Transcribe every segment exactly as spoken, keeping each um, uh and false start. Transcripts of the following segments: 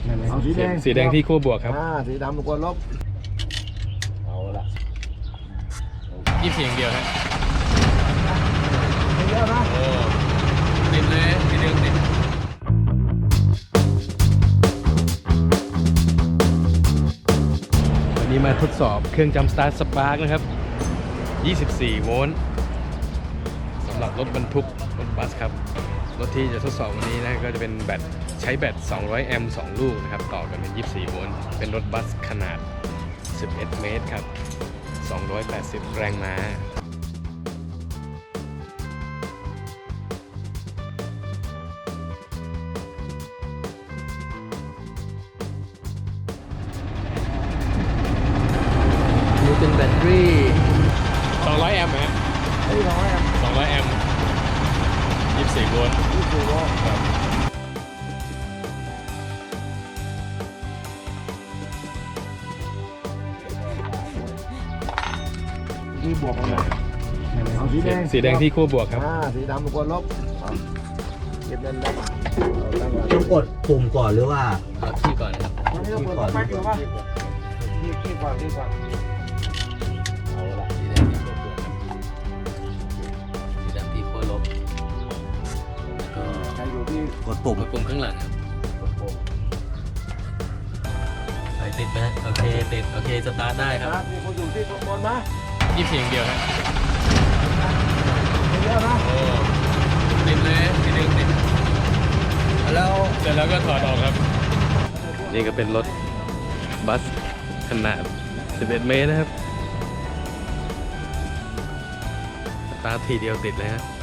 เอาสีแดงสีแดงที่ขั้วบวกครับอ่าสีดำเป็นขั้วลบเอาละยี่สิบสี่อย่างเดียวฮะไม่เยอะนะโอ้ติดเลยสีแดงติดวันนี้มาทดสอบเครื่องจัมป์สตาร์ทสปาร์กนะครับยี่สิบสี่โวลต์สำหรับรถบรรทุกรถบัสครับรถที่จะทดสอบวันนี้นะก็จะเป็นแบตใช้แบตสองร้อยแอมป์สองลูกนะครับต่อกันเป็นยี่สิบสี่โวลต์เป็นรถบัสขนาดสิบเอ็ดเมตรครับสองร้อยแปดสิบแรงม้านี่เป็นแบตเตอรี่สองร้อยแอมป์ฮะเฮ้ยร้อยอ่ะสองร้อยแอมป์ยี่สิบสี่โวลต์ยี่สิบสี่โวลต์ครับที่บวกกันเลยเอาสีแดงสีแดงที่ขั้วบวกครับอ่าสีดำเป็นขั้วลบเก็บเงินได้ต้องกดปุ่มก่อนหรือว่าที่ก่อนนะครับที่ก่อนที่ก่อนที่ก่อนที่ก่อนเอาละสีแดงที่ขั้วบวกสีดำที่ขั้วลบแล้วก็ใครอยู่ที่กดปุ่มปุ่มข้างหลังครับไฟติดไหมโอเคติดโอเคสตาร์ทได้ครับมีคนอยู่ที่ข้างบนไหมยี่สิบสี่อย่างเดียวครับไม่เยอะนะโอ้ติดเลยสีแดงติดแล้วเสร็จแล้วก็ถอดออกครับนี่ก็เป็นรถบัสขนาดสิบเอ็ดเมตรนะครับสตาร์ททีเดียวติดเลยฮะ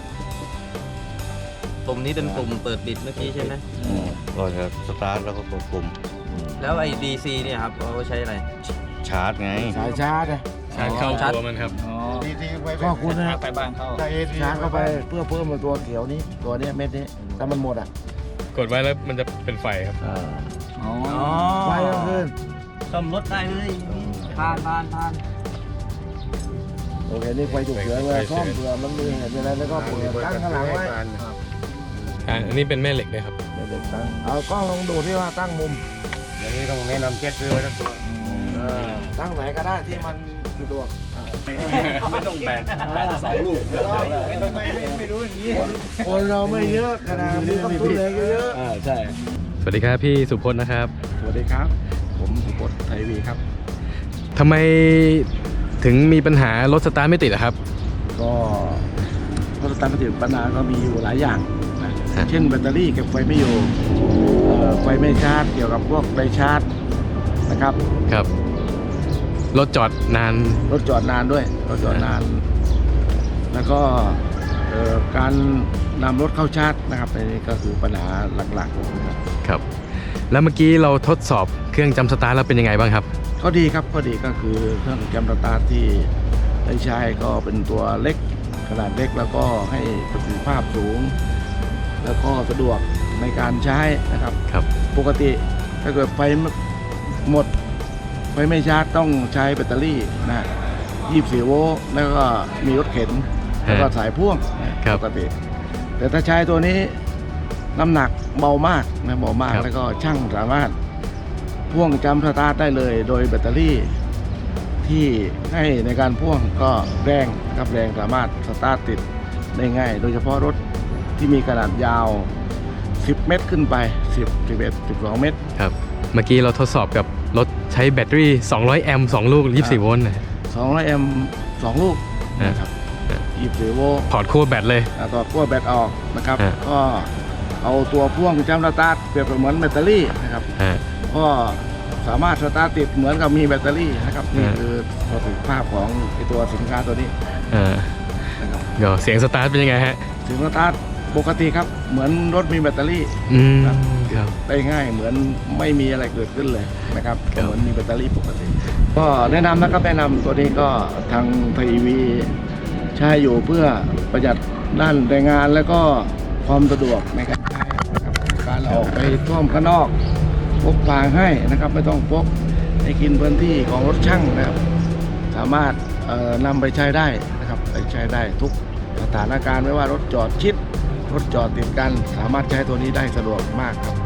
ปุ่มนี้เป็นปุ่มเปิดปิดเมื่อกี้ใช่ไหมก็จะสตาร์ทแล้วก็กดปุ่มแล้วไอ้ ดี ซี เนี่ยครับเราใช้อะไรชาร์จไงสายชาร์จชาร์จเข้าตัวมันครับดีดีก็คุณนะไปบ้านเข้าชาร์จเข้าไปเพื่อเพิ่มตัวเขียวนี้ตัวนี้เม็ดนี้ถ้ามันหมดอ่ะกดไว้แล้วมันจะเป็นไฟครับอ๋อไฟก็ขึ้นซ่อมรถได้เลยผ่านผ่านผ่านโอเคนี่ไฟฉุกเฉินเลยซ่อมเผื่อมันมีเหตุอะไรแล้วก็เปิดตั้งข้างหลังไว้อ่าอันนี้เป็นแม่เหล็กเลยครับแม่เหล็กตั้งเอากล้องลองดูที่ว่าตั้งมุมอย่างนี้ต้องแนะนำเช็ดซื้อไว้ทั้งตัวตั้งไหนก็ได้ที่มันสะดวกไม่ต้องแบนแบนสองลูกไม่ไม่รู้อย่างนี้คนเราไม่เยอะขนาดนี้ต้องตุ้นเลยเยอะอ่าใช่สวัสดีครับพี่สุพจน์นะครับสวัสดีครับผมสุพจน์ไทยวีครับทำไมถึงมีปัญหารถสตาร์ทไม่ติดอะครับก็รถสตาร์ทไม่ติดปัญหาก็มีอยู่หลายอย่างเช่นแบตเตอรี่เก็บไฟไม่อยู่ไฟไม่ชาร์จเกี่ยวกับพวกไดชาร์จนะครับครับรถจอดนานรถจอดนานด้วยรถจอดนานแล้วก็การนำรถเข้าชาร์จนะครับอันนี้ก็คือปัญหาหลักๆครับแล้วเมื่อกี้เราทดสอบเครื่องจัมป์สตาร์ทแล้วเป็นยังไงบ้างครับก็ดีครับก็ดีก็คือเครื่องจัมป์สตาร์ทที่ได้ใช้ก็เป็นตัวเล็กขนาดเล็กแล้วก็ให้ประสิทธิภาพสูงแล้วก็สะดวกในการใช้นะครับครับปกติถ้าเกิดไฟหมดไฟไม่ชาร์จต้องใช้แบตเตอรี่นะยี่สิบสี่โวลต์แล้วก็มีรถเข็นแล้วก็สายพ่วงปกติแต่ถ้าใช้ตัวนี้น้ำหนักเบามากนะเบามากแล้วก็ช่างสามารถพ่วงจัมป์สตาร์ทได้เลยโดยแบตเตอรี่ที่ให้ในการพ่วงก็แรงครับแรงสามารถสตาร์ทติดได้ง่ายโดยเฉพาะรถที่มีขนาดยาวสิบเมตรขึ้นไปสิบ สิบเอ็ด สิบสองเมตรครับเมื่อกี้เราทดสอบกับรถใช้แบตเตอรี่สองร้อยแอมป์สองลูกยี่สิบสี่โวลต์นะสองร้อยแอมป์สองลูกนะครับยี่สิบสี่โวลต์ถอดขั้วแบตเลยถอดขั้วแบตออกนะครับก็เอาตัวพ่วงจัมป์สตาร์ทเปรียบเหมือนแบตเตอรี่นะครับก็สามารถสตาร์ทติดเหมือนกับมีแบตเตอรี่นะครับนี่คือประสิทธิภาพของไอตัวสินค้าตัวนี้นะครับเดี๋ยวเสียงสตาร์ทเป็นยังไงฮะเสียงสตาร์ทปกติครับเหมือนรถมีแบตเตอรี่ครับได้ง่ายเหมือนไม่มีอะไรเกิดขึ้นเลยนะครับเหมือนมีแบตเตอรี่ปกติก็แนะนำนะครับแนะนำตัวนี้ก็ทางไทยวีใช้อยู่เพื่อประหยัดด้านแรงงานและก็ความสะดวกในการใช้นะครับการออกไปท่อมข้างนอกพกพาให้นะครับไม่ต้องพกให้กินพื้นที่ของรถช่างนะครับสามารถนำไปใช้ได้นะครับไปใช้ได้ทุกสถานการณ์ไม่ว่ารถจอดชิดรถจอดติดกันสามารถใช้ตัวนี้ได้สะดวกมากครับ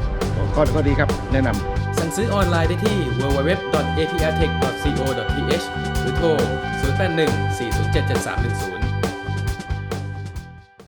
ก็ก็ดีครับแนะนำสั่งซื้อออนไลน์ได้ที่ ดับเบิลยู ดับเบิลยู ดับเบิลยู ดอท เอ พี อาร์ เทค ดอท ซี โอ ดอท ที เอช หรือโทร ศูนย์ แปด หนึ่ง สี่ ศูนย์ เจ็ด เจ็ด สาม หนึ่ง ศูนย์